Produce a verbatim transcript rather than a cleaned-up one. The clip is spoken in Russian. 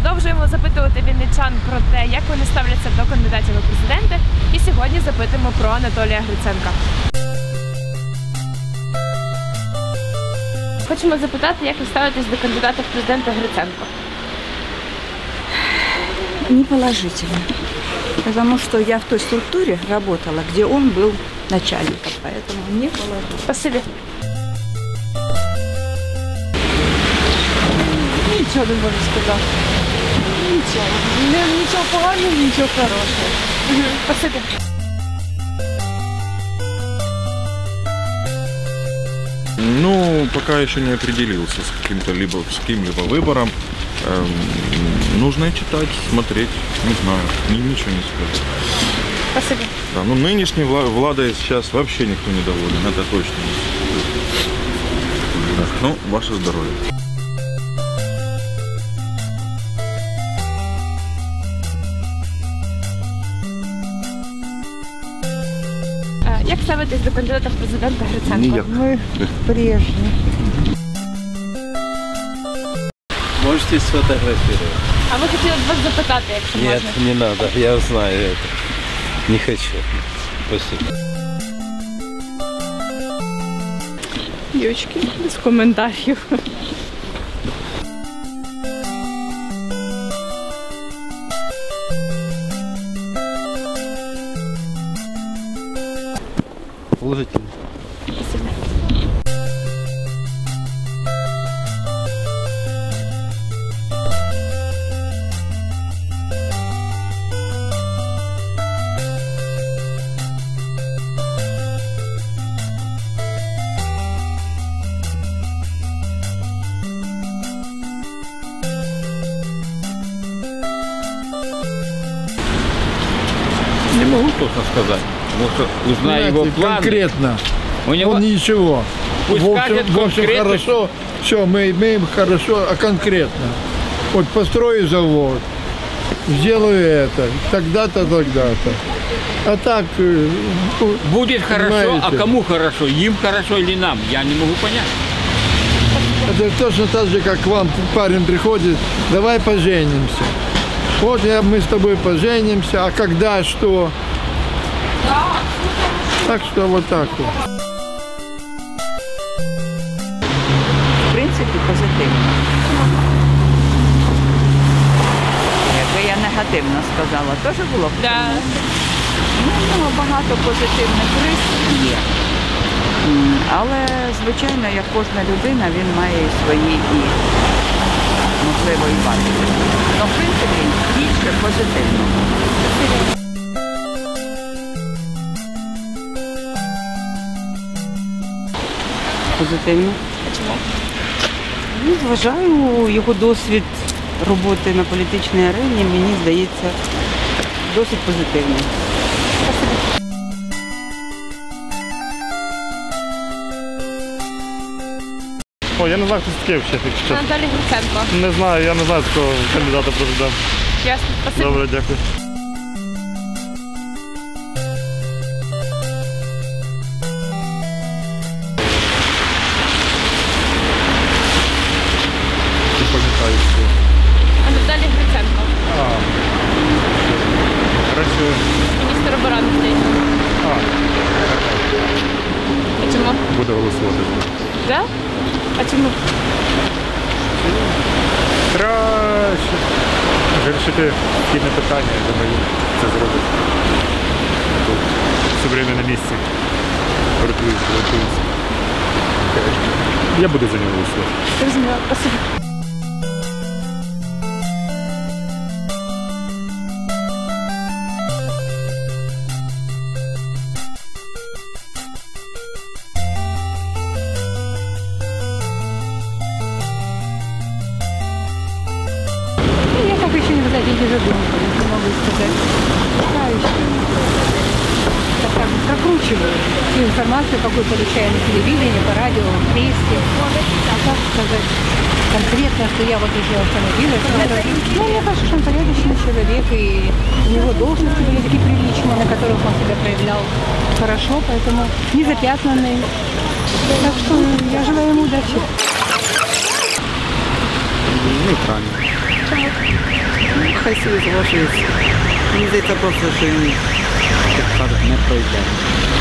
Продовжуємо запитувати вінничан про те, як вони ставляться до кандидатів у президенти. І сьогодні запитуємо про Анатолія Гриценка. Хочемо запитати, як ви ставитесь до кандидата в президенти Гриценко? Неположительно. Потому что я в той структуре работала, где он был начальником, поэтому не положительно. Спасибо. Нічого не можу сказати. Нічого. Нічого поганого, нічого хорошого. Угу. Спасибо. Ну, пока еще не определился с каким-то либо с каким-либо выбором. Эм, нужно читать, смотреть, не знаю, ни, ничего не скажу. Спасибо. Да, ну нынешней вла владой сейчас вообще никто не доволен, это точно. Так, ну, ваше здоровье. Як ставитесь до кандидата в президента Гриценко? Ніяк. Мы прежние. Можете сфотографировать? А ви хотіли б вас запитати, якщо Нет, можна? не надо, я знаю это. Не хочу. Спасибо. Дівчатки, без коментарів. Положительно. Спасибо. Не могу точно сказать. Может, узнаю его планы. Конкретно. У него... Он ничего. Пусть в общем, скажет в общем конкретно. хорошо. Все, мы имеем хорошо, а конкретно. Вот построю завод, сделаю это, тогда-то, тогда-то. А так... э, ну, Будет хорошо, понимаете, а кому хорошо? Им хорошо или нам? Я не могу понять. Это точно так же, как к вам парень приходит, давай поженимся. Вот я, мы с тобой поженимся, а когда, что? Так что вот так вот. В принципі, позитивно. Якби я негативно сказала, теж було б. Да. Ну, в нього багато позитивних рис є. М, Але, звичайно, як кожна людина, він має і свої і, можливо, і вади. Ну, в принципі, більше позитивно. Позитивно. Ну, вважаю, його досвід роботи на політичній арені, мені здається, досить позитивний. О, я не знаю, хто це таке взагалі, якщо чесно. Анатолій Гриценко. Не знаю, я не знаю такого кандидата в президент. Ясно. Спасибо. Добре, дякую. Не пам'ятаю, що. Анатолій Гриценко. А. Працює. Міністр оборони здається. А. А чому? Буде голосувати. Да? А чому? Краще. Вирішити східне питання, я думаю, це зробить. Тут все время на місці. Рятуються, рятуються. Я буду за нього голосувати. Зрозуміло. Спасибо. Я так еще не не задумывалась, не могу сказать. Пока еще. Так как бы прокручиваю ту информацию, какую получаю на телевидении, по радио, в прессе. А как сказать конкретно, что я вот уже остановилась. Ну, мне кажется, что он порядочный человек, и у него должности были такие приличные, на которых он себя проявлял хорошо, поэтому не запятнанный. Так что я желаю ему удачи. Нейтрально. хай собі залишується. Мені здається просто, що він, як кажуть, не пройде.